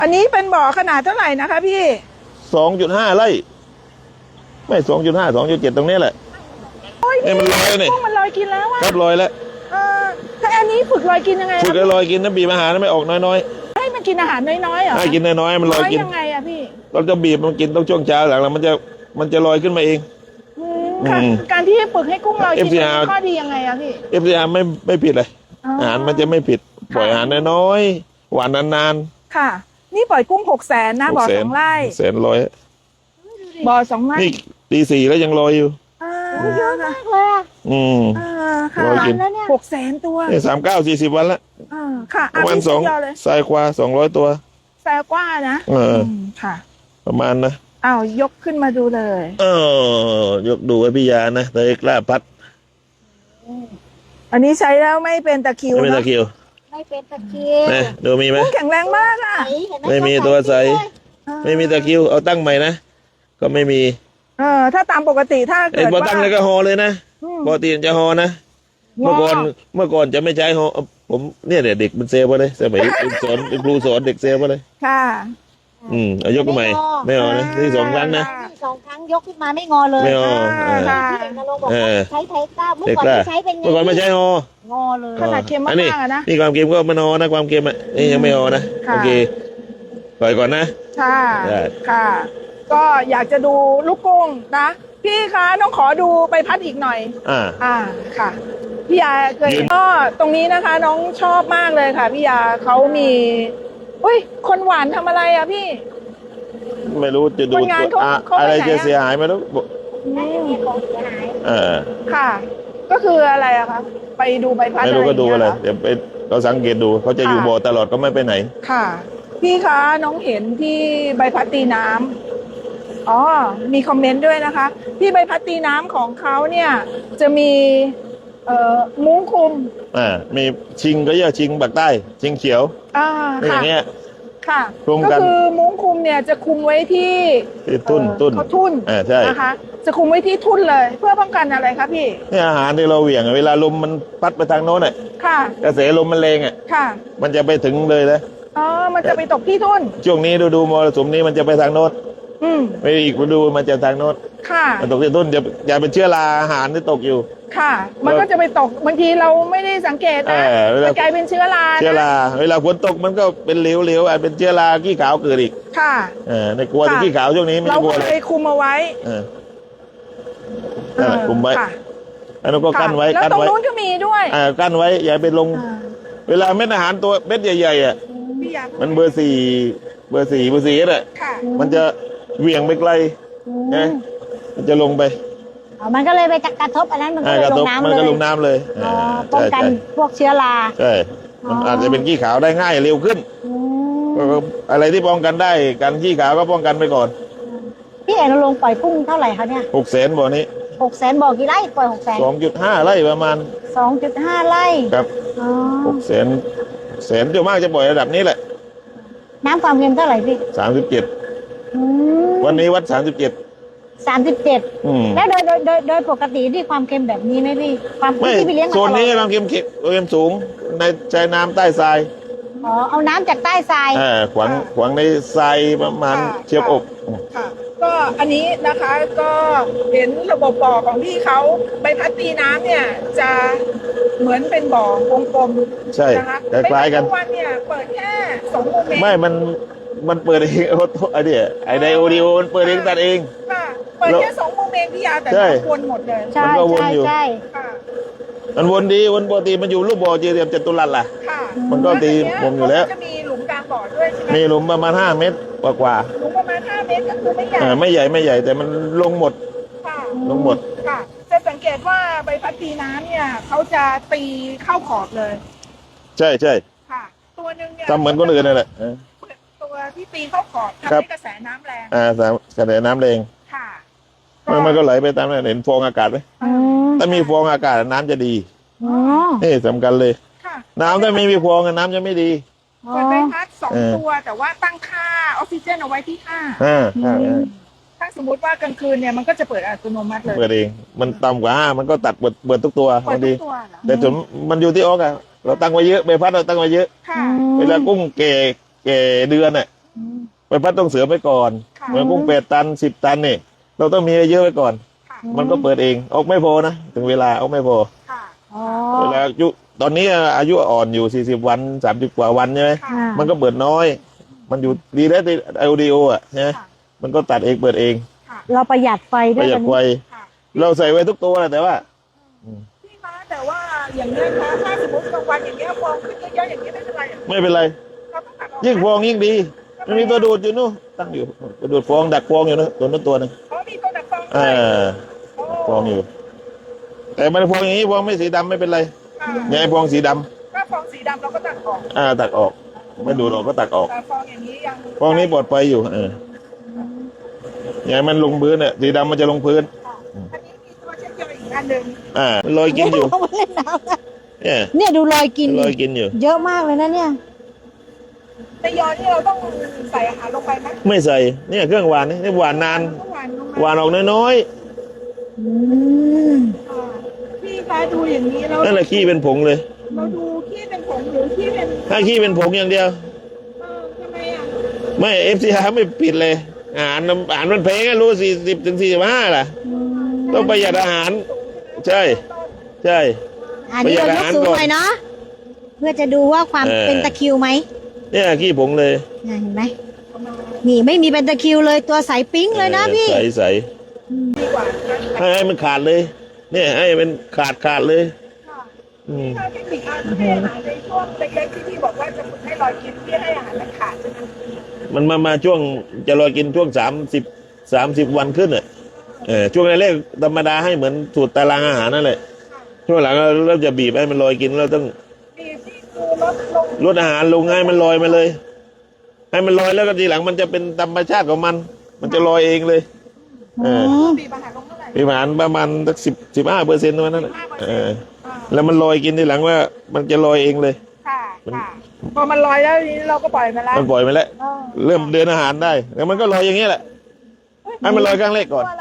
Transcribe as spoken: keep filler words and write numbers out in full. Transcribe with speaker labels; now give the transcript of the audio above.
Speaker 1: อันนี้เป็นบ่อขนาดเท่าไหร่นะคะพี่
Speaker 2: สองจุดห้าไร่ไม่สองจุดห้าสองจุดเจ็ดตรงนี้แหละเอ้ยมันลอยนี่
Speaker 1: กุ้งมันลอยกินแล้วอะ
Speaker 2: ครับลอยแล้ว
Speaker 1: เออถ้าอันนี้ฝึกลอยกินยังไง
Speaker 2: ฝึกให้ลอยกินนะบีบอาหารไม่ออกน้อย
Speaker 1: ๆให้มันกินอาหารน้อยๆเหรอ
Speaker 2: ๆให้กินน้อยๆมันลอยกิน
Speaker 1: ยังไงอะพี่
Speaker 2: เราจะบีบมันกินต้องช่วงเช้าหลังแล้วมันจะมันจะลอยขึ้นมาเอง
Speaker 1: ค่ะการที่ฝึกให้กุ้งลอยกิน
Speaker 2: เอฟ ซี อาร์
Speaker 1: ข้อดียังไงอะพี่
Speaker 2: เอฟซีอาร์ไม่ไม่ผิดเลยอาหารมันจะไม่ผิดปล่อยอาหารน้อยๆหวานนาน
Speaker 1: ๆค่ะนี่ปล่อยกุ้งหกแสนนะบ่อสองไร่
Speaker 2: แสนลอย
Speaker 1: บ่อสองไร่
Speaker 2: นี่ตีสี่แล้วยังลอยอยู่
Speaker 1: เยอะมากเลย
Speaker 2: อืม
Speaker 1: ค่ะหกแสนตัว
Speaker 2: นี่สามเก้าสี่สิบวันละ
Speaker 1: ค่ะ
Speaker 2: ประมาณสองทรายควาสองร้อยตัว
Speaker 1: ทรายกว่านะ
Speaker 2: เออ
Speaker 1: ค่ะ
Speaker 2: ประมาณนะ
Speaker 1: อ้าวยกขึ้นมาดูเลย
Speaker 2: เออยกดูไว้พี่ยานะแต่กล้าพัด
Speaker 1: อันนี้ใช้แล้วไม่เป็นตะคิว
Speaker 2: ไม่เป็นตะคิว
Speaker 3: ไม่เป็นตะคิว
Speaker 2: นะดูมีไหม
Speaker 1: แข็งแรงมากอ่ะ
Speaker 2: ไม่มีตัวใสไม่มีตะคิวเอาตั้งใหม่นะก็ไม่มี
Speaker 1: เออถ้าตามปกติถ้าเกิดว่า
Speaker 2: พอตั้งเลยก็ฮอเลยนะปกติจะฮอนะเมื่อก่อนเมื่อก่อนจะไม่ใช้ฮอผมเนี่ยเด็กมันเซลไปเลยสมัยสอนครูสอนเด็กเซลไปเลย
Speaker 1: ค่ะ
Speaker 2: อืมเอายกขึ้นใหม่ไม่เอานะที่สองครั้งนะ
Speaker 3: สองครั้งยกขึ้นมาไม่งอเลย
Speaker 2: ไม่เอา
Speaker 3: ใช้ไทยก้าเมื่อก่อนไม่ใช้เป็นไง
Speaker 2: เมื่อก่อนไม่ใช้ฮอง
Speaker 3: อเลย
Speaker 1: ขนาดเค็มมากๆนะ
Speaker 2: นี่ความเค็มก็มันฮอนะความเค็มอ่ะนี่ยังไม่ฮอนะโอเคปล่อยก่อนนะ
Speaker 1: ค่ะค่ะก็อยากจะดูลูกกุ้งนะพี่คะน้องขอดูใบพัดอีกหน่อย
Speaker 2: อ่า
Speaker 1: อ่าค่ะพี่ยาเคยก็ตรงนี้นะคะน้องชอบมากเลยค่ะพี่ยาเขามีอุ้ยคนหวานทำอะไรอ่ะพี่
Speaker 2: ไม่รู้จะดูอะไรจะเสียหายไม่รู้
Speaker 3: ไม่มีของเสียหาย
Speaker 2: เออ
Speaker 1: ค่ะก็คืออะไรอะคะไปดูใบพัด
Speaker 2: ไม่รู้ก็ดูอะไรเดี๋ยวไปเราสังเกตดูเขาจะอยู่บ่อตลอดก็ไม่ไปไหน
Speaker 1: ค่ะพี่คะน้องเห็นที่ใบพัดตีน้ำอ๋อมีคอมเมนต์ด้วยนะคะที่ใบพัดตีน้ำของเขาเนี่ยจะมีเอ่อมุ้งคลุม
Speaker 2: อ่ามีชิงก็เรียกชิงปากใต้ชิงเขียว
Speaker 1: อ่า
Speaker 2: อย่างเงี้ย
Speaker 1: ค่ะก็คือมุ้งคลุมเนี่ยจะคุมไว้ที่
Speaker 2: ทุ่นทุ่น
Speaker 1: เขาทุ่น
Speaker 2: อ่าใช่
Speaker 1: นะคะจะคุมไว้ที่ทุ่นเลยเพื่อป้องกันอะไรครับพี่
Speaker 2: นี่อาหารที่เราเหวี่ยงเวลาลมมันพัดไปทางโน้นอ่ะ
Speaker 1: ค่ะ
Speaker 2: กระแสลมมันแรงอ่ะ
Speaker 1: ค่ะ
Speaker 2: มันจะไปถึงเลยนะ
Speaker 1: อ๋อมันจะไปตกที่ทุ่น
Speaker 2: ช่วงนี้ดูดูมรสุมนี้มันจะไปทางโน้น
Speaker 1: อืม
Speaker 2: ไม่อีกฤดูมันจะทางโน้น
Speaker 1: ค่ะ
Speaker 2: มันตกที่ทุ่นจะอย่าเป็นเชื้อราอาหารที่ตกอยู่
Speaker 1: ค่ะมันก็จะไปตกบางทีเราไม่ได้สังเกตนะมันกลายเป็นเชื้อรา
Speaker 2: เชื้อราเวลาฝนตกมันก็เป็นเหลวๆอาจเป็นเชื้อราขี้ขาวเกิดอีก
Speaker 1: ค่ะ
Speaker 2: เออในกลัวที่ขี้ขาวช่วงนี้ไม่กลัวเลย
Speaker 1: เราไปคุมเอาไว้
Speaker 2: เออคุมไว้อันนั้นก็กั้นไว้
Speaker 1: แล้วตรงนู้นก็มีด้วย
Speaker 2: อ่ากั้นไว้อย่าไปลงเวลาเม็ดอาหารตัวเม็ดใหญ่ๆอ่ะมันเบอร์สี่เบอร์สี่เบอร์สี่อ่ะมันจะเหวี่ยงไปไกลนะมันจะลงไป
Speaker 3: มันก็เลยไปกระทบอันนั้นมันก็ลงน้ำเลย
Speaker 2: มันก็ลงน้ำเลย
Speaker 3: ป้องกันพวกเชื้อรา
Speaker 2: ใช่มันอาจจะเป็นขี้ขาวได้ง่ายเร็วขึ้นอะไรที่ป้องกันได้การขี้ขาวก็ป้องกันไปก่อน
Speaker 3: พี่เอกลงปล่อยกุ้งเท่าไหร่คะเนี่ย
Speaker 2: หกแสนบ่อนี้
Speaker 3: หกแสนบ่อกี่ไร่ปล่อยหกแสน
Speaker 2: สองจุดห้าไร่ประมาณ
Speaker 3: สองจุดห้าไร่
Speaker 2: ครับหกแสนแสนเดียวมากจะปล่อยระดับนี้แหละ
Speaker 3: น้ำความเค็มเท่าไหร่พี่
Speaker 2: สามสิบเจ็ดวันนี้วัดสามสิบเจ็ด
Speaker 3: สามสิบเจ็ดแล้วโดยโดยโดยโดยปกติที่ความเค็มแบบนี้ไหมพี่ความที่พี่เลี้ยง
Speaker 2: โซนนี้ความเค็มเค็มสูงในใจน้ำใต้ทราย
Speaker 3: อ๋อเอาน้ำจากใต้ทราย
Speaker 2: อ่าขวางขวางในทรายประมาณเชียบอก
Speaker 1: ค่ะก็อันนี้นะคะก็เห็นระบบบ่อของพี่เขาใบพัดตีน้ำเนี่ยจะเหมือนเป็นบ่อวงกลม
Speaker 2: ใช่คล้ายๆกัน
Speaker 1: ทุกวันเนี่ยเปิดแค่สองโมเมนต์
Speaker 2: ไม่มันมันเปิดเองไอเดียไอไดโอดีโอมันเปิดเองตัดเอง
Speaker 1: ค่ะเปิดแค่สองโมเมนต์พี่ยาแต่วนหมดเลย
Speaker 3: ใช่ใช่ใช่
Speaker 2: มันวนดีวนปกติมันอยู่รูปบ่อเจียมจัตุรัสล่ะมันก็ตีผมอยู่แล้ว
Speaker 1: จะมีหลุมกลางบ่อด้วยใช่ไหม
Speaker 2: มีหลุมประมาณห้าเมตรกว่ากว่า
Speaker 1: หลุมประมาณห้าเมตรก็คือไม่ใหญ่
Speaker 2: ไม่ใหญ่ไม่ใหญ่แต่มันลงหมดลงหมด
Speaker 1: ค่ะจะสังเกตว่าใบพัดตีน้ำเนี่ยเขาจะตีเข้าขอบเลย
Speaker 2: ใช่ใช่
Speaker 1: ค่ะตัวนึงเนี่ย
Speaker 2: ทำเหมือนคนอื่นนั่นแหละ
Speaker 1: ตัวที่ตีเข้าขอบทำให้กระแสน้ำแรง
Speaker 2: อ่ากระแสน้ำแรง
Speaker 1: ค่ะ
Speaker 2: มันก็ไหลไปตามนั้นเห็นฟองอากาศไหมถ้ามีฟองอากาศน้ำจะดีนี่สำคัญเลยน้ำถ้าไม่มีฟองน้ำจะไม่ดี
Speaker 1: เปิดใบพัดสองตัวแต่ว่าตั้งค่าออกซิเจนเอาไว้ที่ห้าถ้าสมมติว่ากลางคืนเนี่ยมันก็จะเปิดอัตโนมัติเลย
Speaker 2: เปิดเองมันต่ำกว่าห้ามันก็ตัดเปิดเปิดทุกตัวพอดีแต่ส่วนมันอยู่ที่ออกอะเราตั้งไว้เยอะใบพัดเราตั้งไว้เยอะเวลากุ้งเก่เก่เดือนอะใบพัดต้องเสือไปก่อน
Speaker 1: ค่ะ
Speaker 2: เหมือนกุ้งแปดตันสิบตันนี่เราต้องมีเยอะไว้ก่อน
Speaker 1: ค่ะ
Speaker 2: มันก็เปิดเองออกไม่พอนะถึงเวลาออกไม่พอ
Speaker 1: ค่ะ
Speaker 3: อ๋อ
Speaker 2: เวลาอายุตอนนี้อายุอ่อนอยู่สี่สิบวันสามสิบกว่าวันใช่ไหม
Speaker 1: ค่ะ
Speaker 2: มันก็เปิดน้อย มันอยู่ดีแล้วที่ไอโอดีโออ่ะใช่ไหม
Speaker 1: ค่ะ
Speaker 2: มันก็ตัดเองเปิดเอง
Speaker 1: ค่ะ
Speaker 3: เราประหยัดไฟ
Speaker 2: ป
Speaker 3: ด้วย
Speaker 2: ระหยัด
Speaker 3: กัน
Speaker 2: ไฟ
Speaker 1: ค่ะ
Speaker 2: เราใส่ไว้ทุกตัวแหละแต่ว่า
Speaker 1: พี่คะแต่ว่าอย่างนี้ยคะถ้าสมมติกลางวันอย่างเงี้ยฟองขึ้นเยอะๆอย่างนี้ยไม่เป็นไรเหรอ
Speaker 2: ไม่เป็นไร
Speaker 1: เราต้องตัดออก
Speaker 2: ยิ่งฟองยิ่งดีมันมีตัวดูดอยู่นู่นตั้งอยู่ตัวดูดฟองดักฟองอยู่นะตัวนั้นตัวหนึง
Speaker 1: เพราะมีตัวดักฟองด้
Speaker 2: อ่
Speaker 1: วย
Speaker 2: า
Speaker 1: โอ้
Speaker 2: ฟองอยู่ แต่มันฟองอย่างนี้ฟองไม่สีดำไม่เป็นไร
Speaker 1: ค่ะ
Speaker 2: อย่าให้ฟองสีดำ
Speaker 1: ถ้าฟองสีดำเราก็ตัดออก
Speaker 2: อ่าตักออกไม่ดูดออกก็ตักออก
Speaker 1: แต่ฟองอย่างนี้ยัง
Speaker 2: ฟองนี้ปลอดภัยอยู่เอออย่าให้มันลงพื้นเนี่ยสีดำมันจะลงพื้น
Speaker 1: ค่ะอันนี้มีตัวเช็ดเยอะอีกอันหนึ่ง
Speaker 2: อ่ามันลอยกินอยู่
Speaker 3: เขามาเล่นน้ำนะ
Speaker 2: เนี่ย
Speaker 3: เนี่ยดูรอยกิน
Speaker 2: ลอยกินอยู่
Speaker 3: เยอะมากเลยนะเนี่ย
Speaker 1: ในยอนี่เราต้องใส่อาหารลงไปไหม
Speaker 2: ไม่ใส่เนี่ยเครื่องหวานนี่นี่หวานนาน
Speaker 1: ต้องหวานลง
Speaker 2: หวานออกน้อย
Speaker 3: อืม
Speaker 1: ค่ะพี่คะดูอย่างนี้เรา
Speaker 2: ๆนั่นแหละขี้เป็นผงเลย
Speaker 1: เราดูขี้เป็นผงหรือขี้เป็น
Speaker 2: ถ้าขี้เป็นผงอย่างเดียว
Speaker 1: เออทำไมอ่ะ
Speaker 2: ไม่เอฟซีอาร์ไม่ปิดเลยอาหารอาหารมันแพงอะรู้สี่สิบถึงสี่สิบห้าล่ะ ต้องประหยัดอาหาร ใช่ ใช่
Speaker 3: อันนี้เรายกสูงหน่อยเนาะเพื่อจะดูว่าความ
Speaker 2: เออ
Speaker 3: เป็นตะคริวไหม
Speaker 2: เนี่ยขี้ผงเลย
Speaker 3: น่ะเห็นไหมนี่ไม่มีเป็นตะคริวเลยตัวใสปิ้งเลยนะพี่
Speaker 2: ใสใส
Speaker 1: ดีกว่า
Speaker 2: ๆให้ให้มันขาดเลย เนี่ยให้มันขาดขาดเลย
Speaker 1: ค่ะ
Speaker 2: อืม
Speaker 1: ถ้าเทคนิคการให้อาหารในช่วงเล็กๆที่พี่บอกว่าจะฝึกให้รอยกินที่ให้อาหารมันขาดใช่ไหม
Speaker 2: มันมามาช่วงจะรอกินช่วงสามสิบสามสิบวันขึ้นอ่ะเออช่วงแรกๆธรรมดาให้เหมือนสูตรตารางอาหารนั่นแหละช่วงหลังเราเริ่มจะบีบให้มันลอยกินเราต้อง
Speaker 1: บีบที่คือลดลง
Speaker 2: ลดอาหารลงให้มันลอยมาเลย ให้มันลอยแล้วก็ทีหลังมันจะเป็นธรรมชาติของมัน มันจะลอยเองเลย เออ
Speaker 1: บีบอาหารลงเท่าไหร่
Speaker 2: บีบอาหารประมาณสักสิบสิบห้าเปอร์เซ็นต์นั้นแหละเออ
Speaker 1: อ่า
Speaker 2: แล้วมันลอยกินทีหลังว่า มันจะลอยเองเลย
Speaker 1: ค่ะค่ะพอมันลอยแล้วทีนี้เราก็ปล่อยมันแล้ว
Speaker 2: มันปล่อยไปแล้ว
Speaker 1: อ๋อ
Speaker 2: เริ่มเดินอาหารได้แล้วมันก็ลอยอย่างนี้แหละให้มันลอยครั้งแรกก่อน
Speaker 1: ตัวอะไร